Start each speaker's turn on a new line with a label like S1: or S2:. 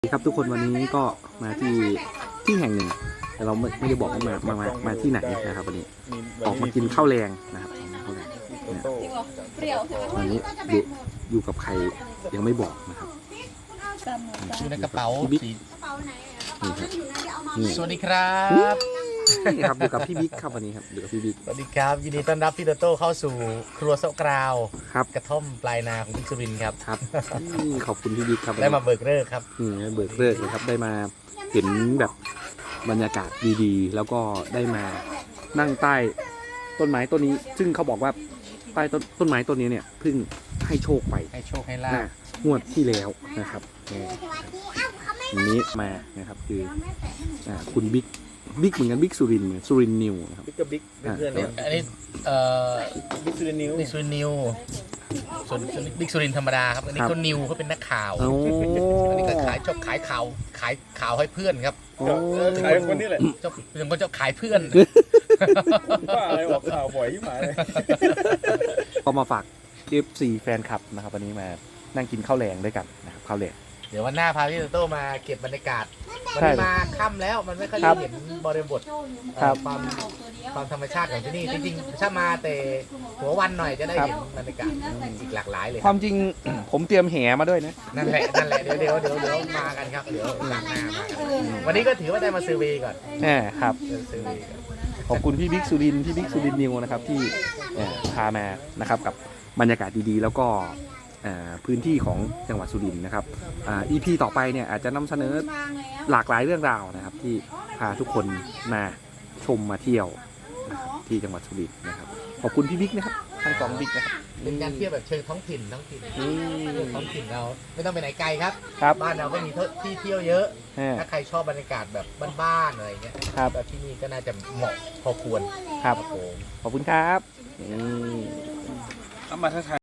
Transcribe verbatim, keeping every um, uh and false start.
S1: สวัสดีครับทุกคนวันนี้ก็มาที่ที่แห่งหนึ่งแต่เราไม่ไม่ได้บอกว่ามามามามาที่ไหนนะครับวันนี้ออกมากินข้าวแรงนะครับข้าวแรงนะวันนี้อยู่อยู่กับใครยังไม่บอกนะครับ
S2: อยู่ในกระเป๋า
S1: พี่บิ๊ก
S2: สี
S1: นี่ครับนี่
S2: สวัสดีครับ
S1: นี่ครับอยู่กับพี่บิ๊กครับวันนี้ครับอยู่กับพี่บิ๊ก
S2: สวัสดีครับยินดีต้อนรับพี่โตโต้เข้าสู่ครัวโซะกราว
S1: ครับ
S2: กระท่อมปลายนาของพี่สุรินทร์ครับ
S1: ครับนี่ขอบคุณพี่บิ๊กครับ
S2: ได้มาเบิกเลิกครับ
S1: นี่เบิกเลิกเลยครับได้มาเห็นแบบบรรยากาศดีๆ แล้วก็ได้มานั่งใต้ต้นไม้ต้นนี้ ซึ่งเขาบอกว่าใต้ต้นต้นไม้ต้นนี้เนี่ยเพิ่งให้โชคไป
S2: ให้โชคให้ลา
S1: นะ
S2: บ
S1: งวดที่แล้วนะครับวันนี้มานะครับคืออ่าคุณบิ๊กบิ๊กเหมือนกันบิ๊กสุรินทร์เหมือนสุรินทร์นิวนะครับ
S3: บิ๊กกับบิ๊กเป็นเพื่อนกัน
S2: อันนี้เอ่อ
S3: บิ๊กซูเดนิว
S2: บิ๊กสุรินทร์นิวส่วนบิ๊กสุรินทร์ธรรมดาครับอันนี้เขานิวเขาเป็นนักข่าว
S1: โอ้
S2: อันนี้ก็ขายชอบขายข่าวขายข่าวให้เพื่อนครับ
S1: โอ้
S3: ขายคนนี้แหละ
S2: เจ้าเป็นคนเจ้าขายเพื่อน
S3: ว่าอะไรออกข่าวบ่อยที่หมายเลย
S1: ก็มาฝาก เอฟ ซี แฟนคลับนะครับวันนี้มานั่งกินข้าวแรงด้วยกันนะครับข้าวแรง
S2: เดี๋ยววันหน้าพาพี่โตโต้มาเก็บบรรยากาศวัน
S1: ใช่
S2: นี้มาค่ำแล้วมันไม่ค่อย
S1: ครั
S2: ได้
S1: บ
S2: เห็นบริบท
S1: ครับ
S2: ความความธรรมชาติของที่นี่จริงๆถ้ามาแต่หัววันหน่อยจะได้
S1: ครับ
S2: เห็นบรรยากาศอีกหลากหลายเลย
S1: ความจริง ผมเตรียมแหมาด้วยนะ
S2: นั่นแหละนั่นแหละเดี๋ยวเดี๋ยวเดี๋ยวเดี๋ยวมากันครับเดี๋ยวหลังหน้ามากันวันนี้ก็ถือว่าได้มาซื้อเวย์ก่อน
S1: แหมครับ
S2: ซื้อเวย์ก่อน
S1: ขอบคุณพี่บิ๊กสุรินทร์พี่บิ๊กสุรินทร์นิวนะครับที่เอ่อพามานะครับกับบรรยากาศดีๆ แล้วก็เอ่อพื้นที่ของจังหวัดสุรินทร์นะครับอ่า อี พี ต่อไปเนี่ยอาจจะนำเสนอหลากหลายเรื่องราวนะครับที่พาทุกคนมาชมมาเที่ยวนะครับที่จังหวัดสุรินทร์นะครับขอบคุณพี่บิ๊กนะครับทั้งสองบิ๊กนะครับ
S2: เป็นการเที่ยวแบบเชิงท้องถิ่นท้องถิ่น
S1: อืม
S2: ท้องถิ่นเราไม่ต้องไปไหนไกลครับ
S1: ครับ
S2: บ้านเราก็มีที่เที่ยวเยอะ
S1: แหม
S2: ถ้าใครชอบบรรยากาศแบบบ้านๆอะไรเงี้ย
S1: ครับ
S2: แบบที่นี่ก็น่าจะเหมาะพอควร
S1: ครับ
S2: ครับผม
S1: ขอบคุณครับอืม
S3: เอามาทักทาย